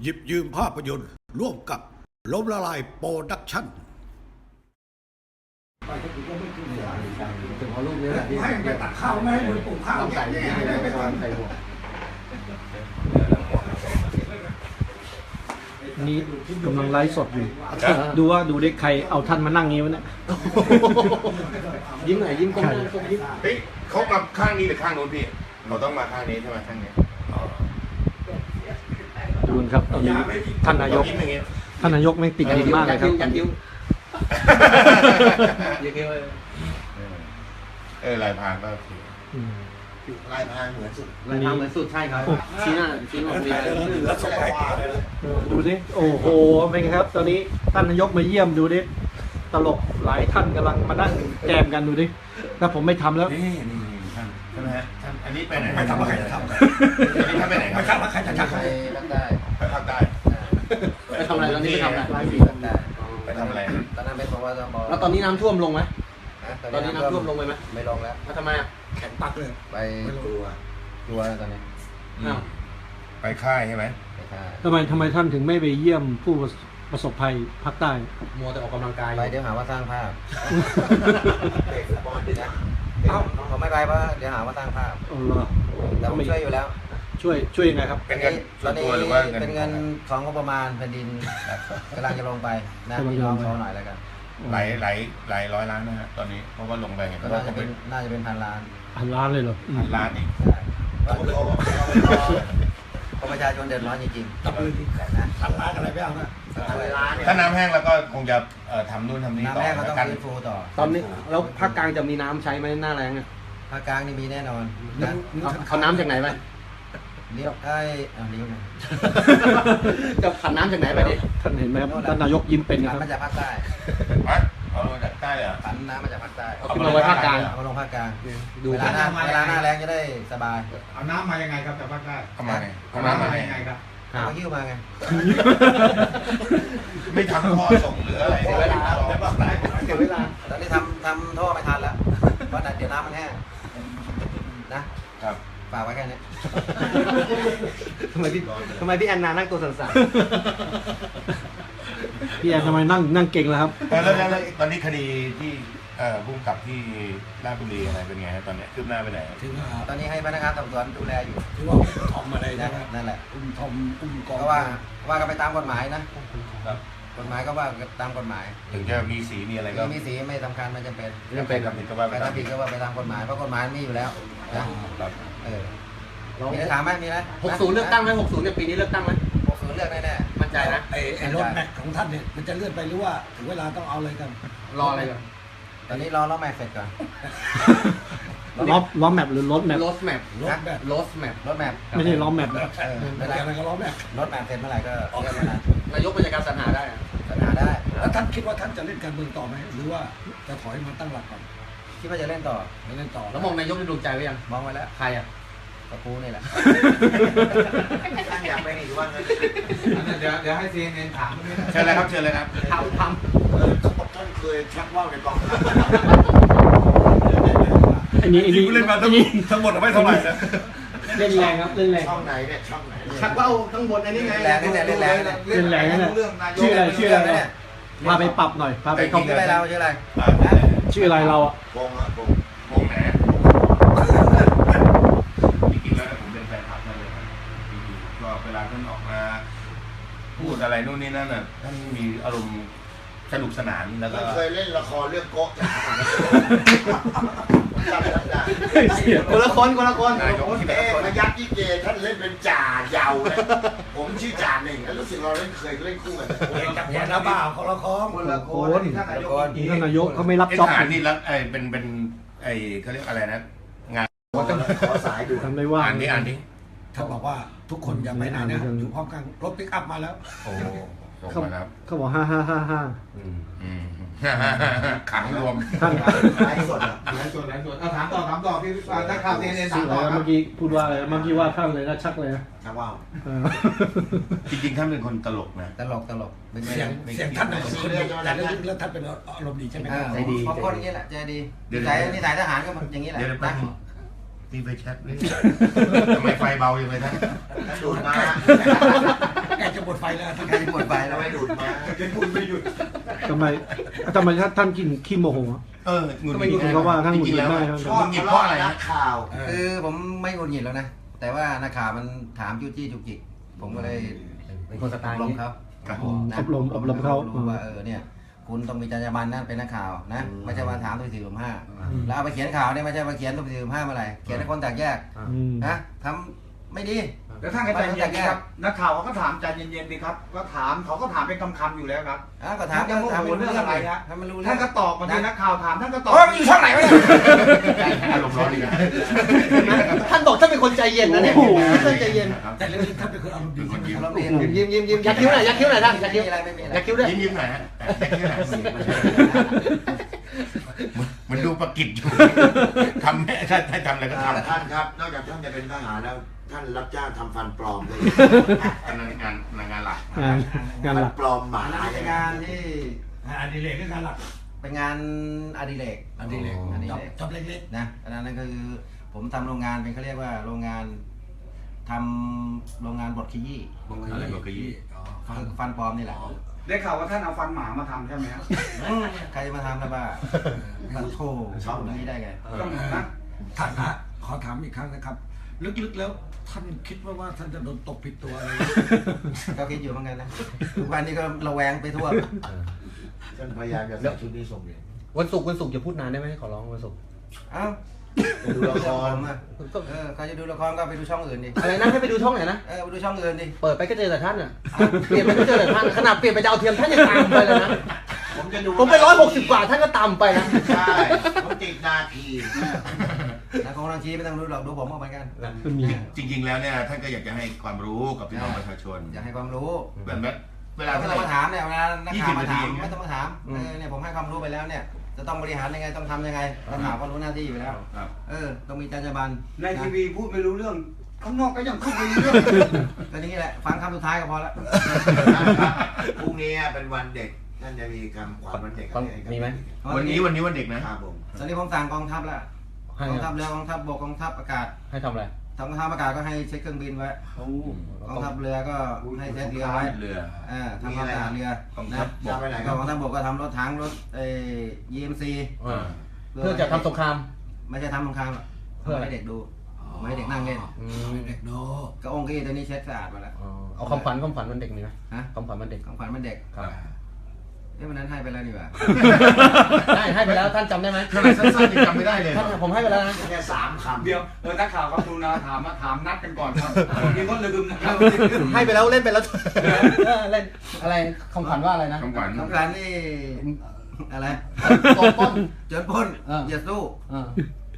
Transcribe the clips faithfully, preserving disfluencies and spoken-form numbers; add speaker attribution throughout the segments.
Speaker 1: หยิบยืมภาพยนตร์ร่วมกับล้มละลายโปรดักชั่น
Speaker 2: ถึงพอลูกนี้แหละที่
Speaker 3: ให้ไปตักข้าวไม่ให้มือปลูกข้าว
Speaker 2: ต้องใส่
Speaker 3: เนี่ย
Speaker 2: ใส่
Speaker 3: ได้ไปก่อน
Speaker 2: ใส่หัว
Speaker 4: นี้กำลังไลฟ์สดอยู่ ดูว่าดูได้ใครเอาท่านมานั่งงี้วะเนี่ย
Speaker 2: ยิ้มหน่อยยิ้มก้มหน้าก้มยิ้ม
Speaker 5: เฮ้ยเขามาข้างนี้หรือข้างโน้นพี่เราต้องมาข้างนี้ใช่ไหมข้างนี้
Speaker 4: ดูครับตอนนี้ท่านนายก
Speaker 5: ยิ้มอย่างเงี้ย
Speaker 4: ท่านนายกแม่งติดดินมากเลยครับ
Speaker 2: ยัดยิ้วยัดยิ้ว
Speaker 5: เออลายพรางก็โอเค
Speaker 4: อืม
Speaker 3: ลายพรางเหมือนสุด
Speaker 2: ลายทางเหมือนสุดใช่ครับชี้หน้าชี้หน้ามีอะไร
Speaker 3: แล้วสบาย
Speaker 4: ดูดิโอ้โหเป็นไงครับ ตอนนี้ท่านนายกมาเยี่ยมดูดิตลกหลายท่านกำลังมานั่งแจมกันดูดิถ้าผมไม่ทำแล้ว
Speaker 5: นี่นี่ท่านใช่ไหมฮะท่านอันนี้ไปไหน
Speaker 3: ไม่ทำอะไรจะทำ
Speaker 5: อันนี้ท่านไปไหนค
Speaker 3: ไม่
Speaker 5: รับ
Speaker 3: ทำแล้วใครจะทำ
Speaker 2: ไปรักได้
Speaker 5: ไปภาคใต้
Speaker 2: ไปทำอะไรตอนนี้ไปทำอะไร
Speaker 5: ไปทำอะไร
Speaker 6: ตอนนั้นเป็นเพราะว่าต้องบอก
Speaker 2: แล้วตอนนี้น้ำท่วมลงไหม
Speaker 6: นะ
Speaker 2: ตอนนี้น้ำท่วมลงไปไหม
Speaker 6: ไม่ลงแล้ว
Speaker 2: แล้วทำไมอ่ะ
Speaker 3: แข็งปักเลย
Speaker 6: ไป
Speaker 3: ไม่รู้ว่า
Speaker 6: กลัวแล้วตอนนี้
Speaker 5: อืมไปค่ายใช่ไหม
Speaker 6: ไปท่า
Speaker 4: ทำไมทำไมท่านถึงไม่ไปเยี่ยมผู้ประสบภัยภาคใต้
Speaker 2: มัวแต่ออกกำลังกาย
Speaker 6: ไปเดี๋ยวหาว่าสร้างภาพเตะฟุตบอลดินะเอ้าเขาไม่ไปเพราะเดี๋ยวหาว่าสร้างภาพ
Speaker 4: เอาเหรอ
Speaker 6: แต่ผมช่วยอยู่แล้ว
Speaker 4: ช่วยช่วยยังไงครับ
Speaker 5: เป็นเงิน
Speaker 6: ต
Speaker 5: ส่
Speaker 6: อ
Speaker 5: วน น
Speaker 6: นี้
Speaker 5: ตัวหรือว่าเงิน
Speaker 6: เป็นเงินของงบประมาณแผ่นดินกำลังจะลงไปนะพี่น้องเขาหน่อยแล้วกัน
Speaker 5: หลายหลายหลายร้อยล้านนะฮะตอนนี้เพราะว่าลงไปเห็น
Speaker 6: ก็
Speaker 5: ว่า
Speaker 6: น่าจะ
Speaker 5: เขา
Speaker 6: เป็
Speaker 5: เป็น น
Speaker 6: น่าจะเป็นพันล้าน
Speaker 4: พันล้านเลยเหรออืม
Speaker 5: พันล้านอีก
Speaker 6: ใช่เพราะประชาชนเดือดร้อนจริง
Speaker 3: ตะปืน
Speaker 6: ๆนะ
Speaker 3: ทำร้านอะไรไม่เอานะ
Speaker 5: ถ้าน้ำแห้งแล้วก็คงจะเอ่อทำนู่นทำนี่
Speaker 6: น้ำ
Speaker 5: ต่อ
Speaker 6: แรกก็ต้อง
Speaker 5: กัน
Speaker 6: ฟื้นฟูต่อ
Speaker 2: ตอนนี้แล้วภาคกลางจะมีน้ำใช้ไหมหน้าแรงอ่ะ
Speaker 6: ภาคกลางนี่มีแน่นอนนะ
Speaker 2: เอาเขาน้ำจากไหนไป
Speaker 6: เลี้ยวไอ้เอาเลี้ยวไง
Speaker 2: จะผันน้ำจากไหนไปดิ
Speaker 4: ท่านเห็นไหมครับท่านนายกยิ้มเป็นนะ
Speaker 6: ผัน
Speaker 4: ครับ
Speaker 6: มาจากภาคใต้
Speaker 5: ฮะเอาลงจากใต้เลยเหรอ
Speaker 6: ผันน้ำมาจากภาคใต้
Speaker 2: เอาขึ้นมาไว้ภาคกลาง
Speaker 6: เอามาลงภาคกลาง
Speaker 2: ดู
Speaker 6: เวลาหน้าเวลาหน้าแรงจะได้สบาย
Speaker 3: เอาน้ำมายังไงครับจากภาคใต้
Speaker 5: เข้ามาไงเข้ามาไง
Speaker 3: ยังไงครับ
Speaker 6: เอาหิ้วมาไง
Speaker 5: ไม่ทำท่อส่งหรืออะไร
Speaker 6: เสียเวลา
Speaker 3: แต่ภาคใต้
Speaker 2: เสียเวลา
Speaker 6: ตอนนี้ทำทำท่อไม่ทันแล้วเพราะเดี๋ยวน้ำมันแห้งนะครับ ฝากไว้แค่นี้
Speaker 2: ทำไมพี่ทำไมพี่แอนนานั่งตัวสั่น
Speaker 4: พี่แอนทำไมนั่งนั่งเก่งแล้วครับ
Speaker 5: แล้วแล้วแล้วตอนนี้คดีที่เอ่อพุ่งกับที่ราชบุรีอะไรเป็นไงฮะตอนเนี้ยคืบหน้าไปไหน
Speaker 3: ถึงว่า
Speaker 6: ตอนนี้ให้พนักงานสอบสวนดูแลอยู่
Speaker 3: ถึงว่าอุ้มทอมอะไร
Speaker 6: นั่
Speaker 3: นะ
Speaker 6: นนั่นแหละ
Speaker 3: อุ้มทอมอุ้มกอง
Speaker 6: ก็ว่าว่ากันไปตามกฎหมายนะ
Speaker 5: ครับ
Speaker 6: กฎหมายก็ว่ากันตามกฎหมาย
Speaker 5: ถึงจะมีสีมีอะไรก็
Speaker 6: มีสีไม่สำคัญไม่จำเป็น
Speaker 5: ไม่จำเป็นทำผิดก็ว่า
Speaker 6: ใค
Speaker 5: ไป
Speaker 6: ร
Speaker 5: ตาม
Speaker 6: ทำ
Speaker 5: ผิ
Speaker 6: ผิ
Speaker 5: ด
Speaker 6: ดก็ว่าไปตามกฎหมายเพราะกฎหมายมีอยู่แล้วนะครับ เออ
Speaker 2: ๆ
Speaker 6: มีอะไรถามไหมมีอะไร
Speaker 2: หกศูนย์เลือกตั้งไหมหกศูนย์เนี่ยปีนี้เลือกตั้งไหม
Speaker 6: หกศูนย์เลือกแน่
Speaker 2: มั่นใจนะ
Speaker 3: ไอ้ไอ้รถแม็กของท่านเนี่ยมันจะเลื่อนไปหรือว่าถึงเวลาต้องเอาเลยกัน
Speaker 2: รออะไรกัน
Speaker 6: ๆตอนนี้รอล้อแม็กเสร็จก่อน
Speaker 4: ล้อล้อแมปหรือรถแมป
Speaker 2: รถแมพ
Speaker 3: รถแม็ก
Speaker 2: รถแมพ
Speaker 6: รถแม็ก
Speaker 4: ไม่ใช่ล้อแมปนะ
Speaker 6: เออ
Speaker 3: ไม่
Speaker 6: ไม่
Speaker 3: ได้
Speaker 6: ได้
Speaker 3: อะไรก็ล้อแม็ก
Speaker 6: รถแม็กเสร็จเมื่อไหร่ก็เลื่อนมานะ
Speaker 2: นายกเป็นการสรรหาได้อะ
Speaker 6: ปัญหาได้
Speaker 3: แล้วท่านคิดว่าท่านจะเล่นการเมืองต่อไหมหรือว่าจะถอยมาตั้งหลักก่อน
Speaker 6: คิดว่าจะเล่นต่อ
Speaker 3: ไม่เล่นต่อ
Speaker 2: แล้วมองนายกในดวงใจไว้ยัง
Speaker 6: มองไว้แล้ว
Speaker 2: ใครอ่ะ
Speaker 6: กระปูนี่แหละ
Speaker 3: ท่านอยากไปอีกว่างั้น
Speaker 7: เดี๋ยวเดี๋ยวให้ซีเอ็นถาม
Speaker 5: เชิญเลยครับเชิญเลยครับ
Speaker 2: ทำท
Speaker 3: ท่านเคยชักว่าวในกอง
Speaker 4: อันนี้อันนี้
Speaker 5: เล่นมา
Speaker 4: อั
Speaker 5: ทั้
Speaker 4: น
Speaker 5: ง
Speaker 4: นี้
Speaker 5: ทั้งหมดไม่เท่าไหร่นะ
Speaker 4: เล่นแรงครับเล่นแรง
Speaker 3: ช่องไหนเนี่ยช่องไหน
Speaker 2: ำชักว่าวข้างบนอันนี้ไง
Speaker 6: แรงนี่แหละเล่นแรงนี่แหละ
Speaker 4: เล่นแรงนั่นแหละ
Speaker 7: เรื่องนายก
Speaker 4: ชื่ออะไรชื่ออะไร
Speaker 6: เนี่ย
Speaker 4: พาไปปรับหน่อยพาไป
Speaker 5: แต่
Speaker 4: เข้า
Speaker 5: จริง
Speaker 6: ชื่ออะไรเราชื่ออะไร
Speaker 4: ชื่ออะไรเราอ่ะ
Speaker 3: วงอะวง
Speaker 5: วงไหนจริงๆแล้วผมเป็นแฟนคลับนั่นเลยครับจริงๆก็เวลาท่านออกมาพูดอะไรนู่นนี่นั่นน่ะท่านมีอารมณ์สนุกสนานแล้วก็
Speaker 3: เคยเล่นละครเรื่องโก๊ะจากจำได้
Speaker 2: คนละคนคนละคน
Speaker 5: นายกที่แบบ
Speaker 3: เอ๊ะพยักยี่เกท่านเล่นเป็นจ่าเยาวเลยผมชื่อจ่าหนึ่งแล้วรู้สึกเราเล่นเคยเล่นคู่กันจับหัวหน้าบ่าวคนละคร
Speaker 7: คนละคน
Speaker 6: ท่านนายก
Speaker 4: ท่านนายกเขาไม่รับ
Speaker 5: ไอ้
Speaker 4: จ็อบ
Speaker 5: ทหารนี่แล้วไอ้เป็นเป็นไอ้เขาเรียกอะไรนะงาน
Speaker 3: ขอสายดู
Speaker 4: ทำไม่ว่าง
Speaker 5: อ่านนี้อ่านนี้
Speaker 3: ท่านบอกว่าทุกคนอย่าไปไหนนะอยู่พร้อมกันรถปิกอัพมาแล้ว
Speaker 5: โอ้ส่ง
Speaker 4: เขา
Speaker 5: มาแล้ว
Speaker 4: เขาบอกห้าห้าห้าห้า
Speaker 5: อืม ขังรวม
Speaker 4: ท่าน
Speaker 3: ไลฟ์สดอะ
Speaker 7: หลายส่วนหลายส่วนเอาถามต่อถามต่อพี่ถ้าข่าวซีเอ็นถา
Speaker 4: ชื่
Speaker 7: ม
Speaker 4: ออะไร
Speaker 7: ต่อ
Speaker 4: นะ
Speaker 7: ครั
Speaker 4: เมื่
Speaker 7: บ
Speaker 4: อกี้พูดว่าอะไรนะเมื่อกี้ว่าท่านเลยนะชักเลยนะ
Speaker 3: นะว้าว
Speaker 4: เออ
Speaker 5: จริงๆท่านเป็นคนตลกนะ
Speaker 6: ตลกตลกเป็นไง
Speaker 3: เสียงเสียงท่านเป็นคนดีแต่ลึกๆแล้วท่านเป็นอารมณ์ดีใช่ไหมค
Speaker 6: อ่า
Speaker 3: รับ
Speaker 2: ใจดี
Speaker 6: เพราะคนอย่างนี้แหละใจดีนิสัยนิสัยทหารก็อย่างนี้แหละ
Speaker 5: เดี๋ยวไป
Speaker 6: นะ
Speaker 5: มีไฟแช็กนี่ทำไมไฟเบาอย่างไรท่าน
Speaker 3: ดูดมาแกจะหมดไฟ
Speaker 6: ไฟแล้วใกล้จะหมดไฟแล้ว
Speaker 3: ไม่ดูดมา
Speaker 4: ทำไมทำไมท่านกินขี้โมโหอะ
Speaker 5: เออหงุดห
Speaker 4: ไม่
Speaker 5: งิด
Speaker 4: กินเขาว่าท่านหงุดหงิด
Speaker 5: จริงๆ
Speaker 4: ได้
Speaker 5: แล้ว
Speaker 4: ครับ
Speaker 3: ชอบ
Speaker 5: หงุดหงิด
Speaker 3: ทะ
Speaker 5: เพราะ
Speaker 3: เลาะ
Speaker 5: อะไร
Speaker 3: นั
Speaker 5: นะ
Speaker 3: กข่าว
Speaker 6: คือผมไม่หงุดหงิดแล้วนะ แต่ว่านักข่าวมันถามจู้จี้จุกจิก ผมก็เลยเป็นคนสไตล์นี้ครับ
Speaker 5: ครับ
Speaker 6: นะ
Speaker 4: อบรมอบรมเขา
Speaker 6: รู้ว่าเออเนี่ย คุณต้องมีจรรยาบรรณนั่นเป็นนักข่าวนะ ไม่ใช่มาถามตัวสี่ตัวห้าแล้วเอาไปเขียนข่าวเนี่ยไม่ใช่มาเขียนตัวสี่ตัวห้าเมื่อไหร่เขียนให้คนแตกแยก
Speaker 4: อืม
Speaker 6: นะทำไม่ดี
Speaker 7: แล้วท่านก็ใจเย็นดีครับนักข่าวเขาก็ถามใจเย็นๆดีครับก็ถามเขาก็ถามเป็นคำๆอยู่แล้วครับ
Speaker 6: อ่ะก็ถาม
Speaker 7: จะโมโห
Speaker 6: ถาม
Speaker 7: เรื่องอะไรฮะ
Speaker 6: ให้มันรู้เรื่
Speaker 7: ท่า
Speaker 6: อน ง
Speaker 7: ก็ตอบบางทีนักข่าวถามท่านก็ตอบ
Speaker 6: โอ้ยมันอยู่ช่องไหนวะเนี่ย
Speaker 5: อารมณ์ร้อนอีกนะ
Speaker 2: ท่านบอกท่านเป็นคนใจเย็นนะเนี่ยท่านใจเย็น
Speaker 1: แต่เรื่องนี้ท่านเป็นคนอารมณ์ดี
Speaker 5: เป็นคนยิ้ม
Speaker 6: เราเรียน
Speaker 2: ยิ้มยิ้มยิ้มยักคิ้วหน่อยยักคิ้วหน่อยท่านยักคิ้ว
Speaker 6: ไม่มีอะไรไม่มีอะไร
Speaker 2: ยักคิ้วด้วย
Speaker 5: ยิ้มยิ้มหน่อยฮะยักคิ้วหน่อยมันดูประกิดอยู่ทำให้ท่านให้ทำอะไรก็ทำ
Speaker 3: ท่านครับ นอกจากท่านจะเป็นทหารแล้วท่านรับจ้างทำฟันปลอมเลย
Speaker 5: อันนั้นงานงานหลัก
Speaker 4: งานงานห
Speaker 3: ฟั
Speaker 4: ลั
Speaker 3: น
Speaker 4: ก
Speaker 3: ปลอมหมา
Speaker 6: อันนั้นเป็นงานที่
Speaker 1: อันนี้เลยก็งานหลัก
Speaker 6: เป็นงานอดิเรก
Speaker 1: อันนี้เลย
Speaker 6: อดิ
Speaker 1: จับ
Speaker 6: เรก
Speaker 1: จับเล็ก
Speaker 6: นะอันนั้นก็คือผมทำโรงงานเป็นเขาเรียกว่าโรงงานทำโรงงานบดขยี้
Speaker 1: ๆ
Speaker 5: อะไรก็กระยี่
Speaker 6: ฟันฟันปลอมนี่แหละ
Speaker 7: ได้ข่าวว่าท่านเอาฟันหมามาทำใช่ไหมครับ
Speaker 6: ใครจะมาทำนะบ้าฟันโถชอบนี้ได้ไง
Speaker 7: ต้องนะ
Speaker 1: ท่านฮะขอถามอีกครั้งนะครับ ลึกๆแล้วท่านคิดว่าว่าท่านจะโดนตบผิดตัวอะไร
Speaker 6: ก็คิดอยู่เหมือนกันนะทุกวันนี้ก็ระแวงไปทั่ว
Speaker 3: ท่านพยายามจะใส่ชุดนี้ส่งเรียน
Speaker 2: วันศุกร์วันศุกร์อย่าพูดนานได้ไหมขอร้องวันศุกร์
Speaker 6: เอ้า
Speaker 3: ไปดูละคร
Speaker 6: ผมอะเออใครจะดูละครก็ไปดูช่องอื่นดิ
Speaker 2: อะไรนะให้ไปดูช่องไหนนะ
Speaker 6: เออไปดูช่องอื่นดิ
Speaker 2: เปิดไปก็เจอแต่ท่านอ่ะเปลี่ยนไปก็เจอแต่ท่านขนาดเปลี่ยนไปดาวเทียมท่านยังตามไปเลยนะ
Speaker 3: ผมจะดู
Speaker 2: ผมไปร้อยหกสิบกว่าท่านก็ตามไปนะ
Speaker 3: ใช่ผมติดนาที
Speaker 6: นะของทางชี้ไม่ต้องดูหรอกดูผมก็เหมือนกัน
Speaker 4: มันมี
Speaker 5: จริงๆแล้วเนี่ยท่านก็อยากจะให้ความรู้กับพี่น้องประชาชน
Speaker 6: อยากให้ความรู้
Speaker 5: แบบนั้นเวลา
Speaker 6: ไม่
Speaker 5: ท่าน
Speaker 6: ต้องมาถามเนี่ยเวลานักข่าวมาถาม
Speaker 5: ยี่สิบนาที
Speaker 6: ไม่ต้องมาถามเออเนี่ยผมให้ความรู้ไปแล้วเนี่ย จะต้องบริหารยังไงต้องทำยังไงนักข่าวก็รู้หน้าที่อยู่แล้ว
Speaker 5: ครับ
Speaker 6: เออต้องมีจรรยาบรรณ
Speaker 7: ในทีวีพูดไม่รู้เรื่องข้างนอกก็ยังพูดไม่รู้เรื่อง
Speaker 6: ก็นี่แหละฟังคำสุดท้ายก็พอละ
Speaker 3: พรุ่งนี้เป็นวันเด็กท่านจะมีคำขวัญวันเด็กอะไรให้กับ
Speaker 2: มีไหม
Speaker 5: วันนี้วันนี้วันเด็กนะครับ
Speaker 3: ผม
Speaker 6: ตอนนี้ผมสั่งกองทัพแล้ว
Speaker 2: ให้
Speaker 6: กองทัพเรือกองทัพบกกองทัพอากาศ
Speaker 2: ให้ทำอะไร
Speaker 6: ทางกองทัพอากาศก็ให้เช็คเครื่องบินไว้กองทัพเรือก็ให้เช็คเรือไว้
Speaker 5: เรือ
Speaker 6: อ่าทำความสะอาดเรือก
Speaker 5: อง
Speaker 6: นะ
Speaker 5: ทัพบ
Speaker 3: จะ
Speaker 5: ก
Speaker 3: ไปไหนค
Speaker 6: ก็
Speaker 3: รับ
Speaker 6: กองทัพบกก็ทำรถถังรถเอ่อ ยี เอ็ม ซี
Speaker 2: อ่าเพื่อจะทำสงคราม
Speaker 6: ไม่ใช่ทำสงครามหรอก
Speaker 2: เพื่อ
Speaker 6: ให้เด็กดูไม่ให้เด็กนั่งเล่น
Speaker 2: อื
Speaker 1: ให้
Speaker 2: ม
Speaker 1: เด็กดู
Speaker 6: ก็องค์กี้ตัวนี้เช็ดสะอาดมาแล้ว
Speaker 2: อ๋อเอาความฝันความฝันวันเด็กมีไหม
Speaker 6: ฮะ
Speaker 2: ความฝันวันเด็ก
Speaker 6: ของขวัญมันเด็ก
Speaker 2: ครับ
Speaker 6: เอ้ยวันนั้นให้ไปแล้วนี่หว่า
Speaker 2: ได้ให้ไปแล้วท่านจำได้ไหม
Speaker 5: ขนาดสั้นๆยังจำไม่ได้เลย
Speaker 2: ท่านผมให้ไปแล้วนะ
Speaker 3: แค่สามคำ
Speaker 7: เดี๋ยวเออนักข่าวครับดูนะถามมาถามนัดกันก่อนครับบางทีก็ลืมนะครับ
Speaker 2: ให้ไปแล้วเล่นไปแล้วเออเล่นอะไรคำขวัญว่าอะไรนะ
Speaker 5: คำขวัญ
Speaker 6: ของขวัญนี่อะไร
Speaker 2: โจรปล้น
Speaker 6: โจรปล้น
Speaker 2: เออ
Speaker 6: อย่าสู้
Speaker 2: อ่าร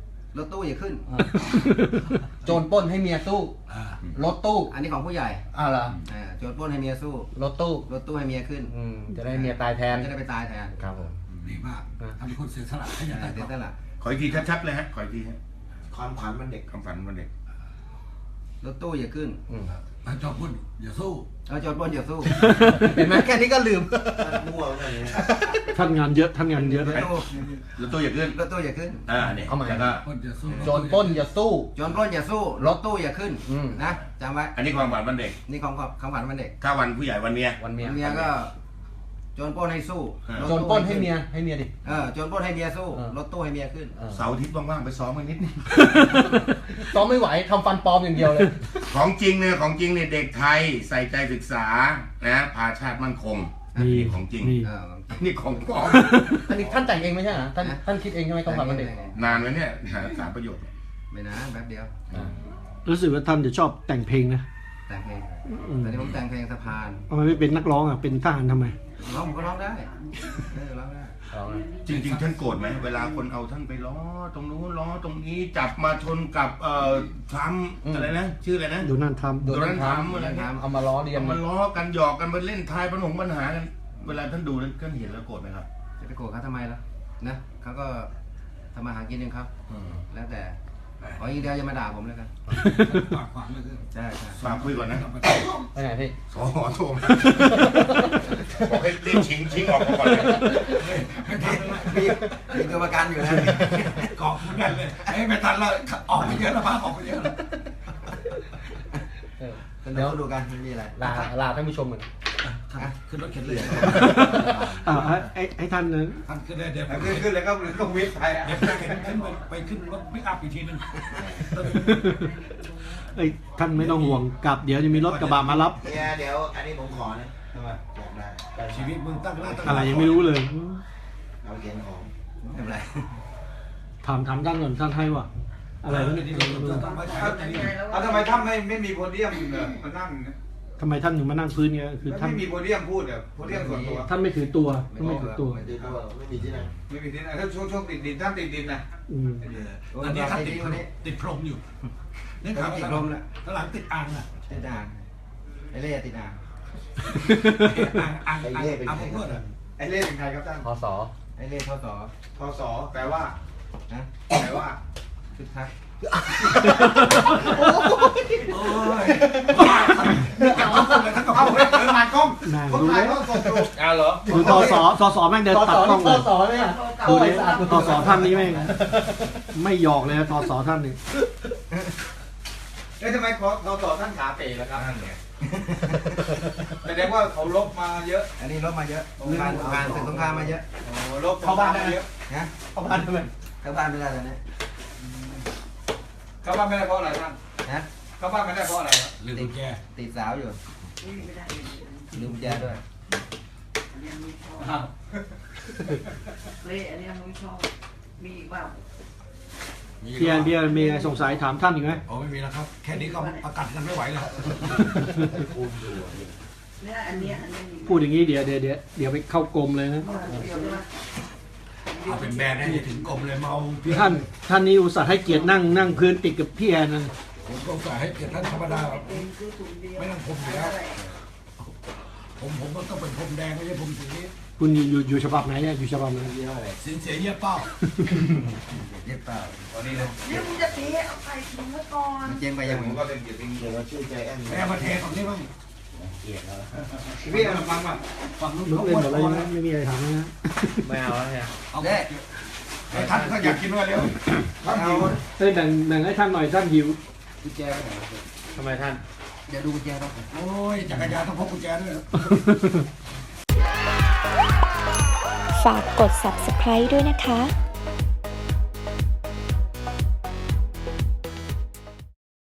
Speaker 6: ถตู้อย่าขึ้น
Speaker 2: อ่าโจรปล้นให้เมียสู้
Speaker 1: อ่าร
Speaker 2: ถตู้
Speaker 6: อันนี้ของผู้ใหญ่
Speaker 2: อ่าเหรอ
Speaker 6: อ่าโจรปล้นให้เมียสู้
Speaker 2: รถตู้
Speaker 6: รถตู้ให้เมียขึ้น
Speaker 2: อืมจะได้เมียตายแทน
Speaker 6: จะได้ไปตายแทน
Speaker 2: ครับผม
Speaker 1: ดีมากทำเป็นคนเสียสละให้ยั
Speaker 6: อ่าง
Speaker 1: ไง
Speaker 6: เดี๋ยวนั่นแหละ
Speaker 5: ขออีกทีชัดๆเลยฮะขออีกทีฮะ
Speaker 3: ความขวัญวันเด็ก
Speaker 5: คำฝันวันเด็ก
Speaker 6: รถตู้อย่าขึ้น
Speaker 2: อืม
Speaker 1: พระเจ้าพูดอย่าสู้
Speaker 6: เอาโจรปล้นอย่าสู้
Speaker 2: เห็นไหมแค่นี้ก็ลืม
Speaker 3: มั่วกันเนี่ย
Speaker 4: ท่านงานเยอะท่านงานเยอะ
Speaker 6: ร
Speaker 4: นะ
Speaker 6: ถตู้
Speaker 5: แล้วตัวอย่าขึ้น
Speaker 6: รถตู้อย่าขึ้น
Speaker 5: อ่าเนี่ย
Speaker 2: เอาใหม่
Speaker 5: แล้วก็
Speaker 1: คนอย่าสู้
Speaker 2: โจรปล้นอย่าสู้
Speaker 6: โจรปล้นอย่าสู้ รถตู้อย่าขึ้น
Speaker 2: อืม
Speaker 6: นะจำไว้
Speaker 5: อันนี้ความฝันวันเด็ก
Speaker 6: นี่ของของขวัญวันเด็ก
Speaker 5: ถ้าวันผู้ใหญ่วันเมีย
Speaker 2: วันเมีย
Speaker 6: เมียก็โจรปล้นให้สู้
Speaker 5: อ่า
Speaker 6: รถ
Speaker 2: โจร
Speaker 6: ตู้
Speaker 2: ปล้นให้เมียให้เมียดิ
Speaker 6: เออโจรปล้นให้เมียสู้
Speaker 2: เออ
Speaker 6: รถตู้ให้เมียขึ้น
Speaker 2: เออ
Speaker 5: เสาร์อาทิตย์ว่างๆไปซ้อมกันนิดนึง
Speaker 2: ซ้อมไม่ไหวทำฟันปลอมอย่างเดียวเลย
Speaker 5: ของจริงเนี่ยของจริงเนี่ยเด็กไทยใส่ใจศึกษานะพาชาติมั่นคง
Speaker 4: มี
Speaker 5: นี่ของจริง
Speaker 4: มี
Speaker 6: เออ
Speaker 5: นี่ของปลอม
Speaker 2: อันนี้ท่านแต่งเองไม่ใช่เหรอท่านท่านคิดเองใช่ไหมคำขวัญวันเด็ก
Speaker 5: นานไหมเนี่ยหาสามประโยชน์
Speaker 6: ไม่นานแป๊บเดียว
Speaker 4: รู้สึกว่าท่านจะชอบแต่งเพลงนะ
Speaker 6: แต่งเพลง
Speaker 4: อืม
Speaker 6: ตอนนี้ผมแต่งเพลงสะพาน
Speaker 4: ทำไมไม่เป็นนักร้องอ่ะเป็นทหารทำไม
Speaker 6: ร้องผมก็ร้องได้เออร้องได้
Speaker 2: เอาเลย
Speaker 5: จริงๆท่านโกรธไหมเวลาคนเอาท่านไปล้อตรงนู้นล้อตรงนี้จับมาชนกับเอ่อทรัมป์อะไรนะชื่ออะไรนะ
Speaker 4: ดูนั่นท
Speaker 2: โดน
Speaker 5: โดนัลด์ทรั
Speaker 2: ท
Speaker 5: มป์อะไรเงี้ย
Speaker 2: ำเอามาล้อเลียน
Speaker 5: เอามาล้อกันหยอกกันมาเล่นทายปัญหาปัญหากัน เวลาท่านดูท่านเห็นแล้วโกรธไหมครับ
Speaker 6: จะไปโกรธเขาทำไมล่ะนะเขาก็ทำมาหากินเองครับ
Speaker 5: อืม
Speaker 6: แล้วแต่ขออีกเดียวอย่ามาด่าผมแล้วกัน
Speaker 1: ปากขวางเลยคือ
Speaker 6: ใช่ใช่
Speaker 5: ฝากคุยก่อนนะ
Speaker 2: ไปไหนพี่
Speaker 5: สอหอโทรมาบอกให้รีบชิงชิงออกมาก่อนเลย
Speaker 6: มีมีตัวประกันอยู่นะ
Speaker 1: กองเหมือนกันเลยไอ้ไม่ทันแล้วออกไปเยอะแล้วพาออกไปเยอะแล้ว
Speaker 2: เออ
Speaker 6: ตอนเดี๋ยวดูกันไม่มีอะไร
Speaker 2: ลาลาท่านผู้ชมเหมือน
Speaker 1: ท่านขึ้นรถเข็นเลย
Speaker 4: อ่าให้ไอ้ไอ้ท่านนั้น
Speaker 1: ท่านขึ้นเลยเดี๋ยว
Speaker 7: ขึ้นขึ้นแล้วก็ก็วิทย์ไปอ่ะ
Speaker 1: เดี๋ยวจะเข็นขึ้นไปไปขึ้นรถปิกอัพอีกทีหนึง
Speaker 4: ไอ้ท่านไม่ต้องห่วงกลับเดี๋ยวจะมีรถกระบะมารับ
Speaker 3: เนี่ยเดี๋ยวอันนี้ผมขอนะ
Speaker 7: ทำไม
Speaker 3: อยากได้
Speaker 1: ชีวิตมึงตั้งหน้าตั้ง
Speaker 4: อะไรยังไม่รู้เลย
Speaker 3: เอาเขียนของ
Speaker 6: ไม่เป็นไร
Speaker 4: ถามถามท่านก่อนท่านให้ว่าอะไรวะเนี่ย
Speaker 1: ต้องมาใช้รถอันนี้
Speaker 7: เอาทำไมท่านไม่ไม่มีโพเดียมเนี่ยมานั่งเนี่ย
Speaker 4: ทำไมท่านถึงมานั่งพื้นเงี้ยคือท่าน
Speaker 7: ไม่มีโพเดียมพูดเนี่ยโพเดียมส่วนตัว
Speaker 4: ท่านไม่ถือตัวท่านไม่ถือตัว
Speaker 3: ไม่ได้ด้วยไม่มีที่ไหน
Speaker 7: ไม่มีที่ไหนถ้าช่วงช่วงติดดินท่านติดดินนะ
Speaker 4: อืม
Speaker 1: อันนี้ท่านติดติดพรมอยู่นี่ข่าว
Speaker 6: ติดลมแล้ว
Speaker 1: ข้างหลังติดอ่างอ่ะ
Speaker 6: ติดอ่างไอ้เล่ติดอ่าง
Speaker 1: อ่างอ่างอ่างอ่างพวกเพื่อนอ่ะ
Speaker 7: ไอ้เล่เป็นใครครับท่าน
Speaker 2: พศ
Speaker 6: ไอ้เล่ท่อต่อ
Speaker 7: พศแปลว่า
Speaker 6: นะ
Speaker 7: แปลว่า
Speaker 6: คึกคัก
Speaker 1: โอ้ยท่านเอาคนเลยท่านก็
Speaker 7: เอ้า
Speaker 1: เอา
Speaker 7: เฮ้ยเดินมากล้อง
Speaker 4: นาง
Speaker 7: คน
Speaker 4: ดู
Speaker 7: ถ่าย
Speaker 4: เลย
Speaker 7: เขาสดอยู่
Speaker 2: อ้าวเหรอ
Speaker 4: ดูทอสอทอสอแม่งเดินตัดกล้องเลย
Speaker 2: สอเนี่ย
Speaker 4: ดูดิทอสอท่านนี้แม่งไม่หยอกเลยนะทอสอท่านนี่
Speaker 7: เอ้ยทำไมเขาเขาสอท่านขาเป๋ล่ะครับ
Speaker 5: นั่นไง
Speaker 7: แสดงว่าเขาลบมาเยอะ
Speaker 6: อันนี้รถมาเยอะสงครามสงครามศึกสงครามมาเยอะ
Speaker 7: โอ้ลบเข้าบ้านได้เยอะ
Speaker 6: นะ
Speaker 4: เข้าบ้านทำไม
Speaker 6: เข้าบ้านไม่ได้ตอนนี้
Speaker 7: เข้าบ้านไม่ได้เพราะอะไรท่าน
Speaker 6: นะ
Speaker 7: เข้าบ้านไม่ได้เพราะอะไรครับ
Speaker 1: ลืมกุญแจ
Speaker 6: ติดสาวอยู่ลืมกุญแจด้วย
Speaker 7: อ้าว
Speaker 8: เละอันเนี้ยไม่ชอบ มีอีกเปล่า
Speaker 4: เพียนเบียร์มีอะไรสงสัยถามท่านอีกไหม
Speaker 1: โอ้ไม่มีแล้วครับ แค่นี้ก็ประกันกันไม่ไหวแล้ว
Speaker 8: เนี่ยอันเนี้ยอันเนี้ยมี
Speaker 4: พูดอย่างนี้เดี๋ยวเดี๋ยวเดี๋ยวเดี๋ยวไปเข้ากรมเลยนะ
Speaker 8: เดี๋ยวนะ
Speaker 1: เอาเป็นแบรนด์ให้ถึงกรมเลยเมาพี่
Speaker 4: ท่านท่านนี้อุตส่าห์ให้เกียรตินั่งนั่งพื้นติดกับพี่แอนนั่น
Speaker 1: ผมก็สายให้เกียรติท่านธรรมดา
Speaker 8: เป็นคือถุงเดียว
Speaker 1: ไม่ต้องผมอยู่แล้ว ผมผมก็ต้องเป็นพรมแดงไม่ใช่พรมสี
Speaker 4: คุณอยู่อยู่อยู่ฉบับไหนเนี่ยอยู่ฉบับไหน
Speaker 1: สินเสียเยี่ยเป้า
Speaker 6: เย็บเปล่า
Speaker 7: ตอนนี้เลย
Speaker 8: เนี่ยมึงจะตีเอาใส่ถุงไว้ก่อน
Speaker 6: มันเจ๊งไป
Speaker 7: ไป
Speaker 6: ยั
Speaker 7: ยัง
Speaker 6: ง
Speaker 7: ผมก็เป็นเกียรติ
Speaker 3: เดี๋ยวเราชื่อใจแอน
Speaker 1: แม่มาเทตรงนี้บ้าง
Speaker 7: พี่เอาฟังมา
Speaker 1: ฝั่งนู้น
Speaker 4: ลุก
Speaker 1: เขา
Speaker 4: เล่น
Speaker 1: อ้วน
Speaker 4: หมดเลย
Speaker 1: พอ
Speaker 4: นะ
Speaker 1: แล้ว
Speaker 4: ไม่มีอะไรถามนะ
Speaker 2: ไม่เอาแล้วเนี่ย
Speaker 1: เอาไอ้ท่านก็อยากกินด้วยเร็วท่านหิว
Speaker 4: เฮ้ยแบ่งแบ่งให้ท่านหน่อยท่านหิว
Speaker 6: กุญแจไปไหน
Speaker 2: ทำไมท่าน
Speaker 6: เดี๋ยวดูกุญแจต้อง
Speaker 1: โอ้ยจักรยานต้องพกกุญแจด้วย
Speaker 9: ฝากกด ซับสไครบ์ ด้วยนะคะ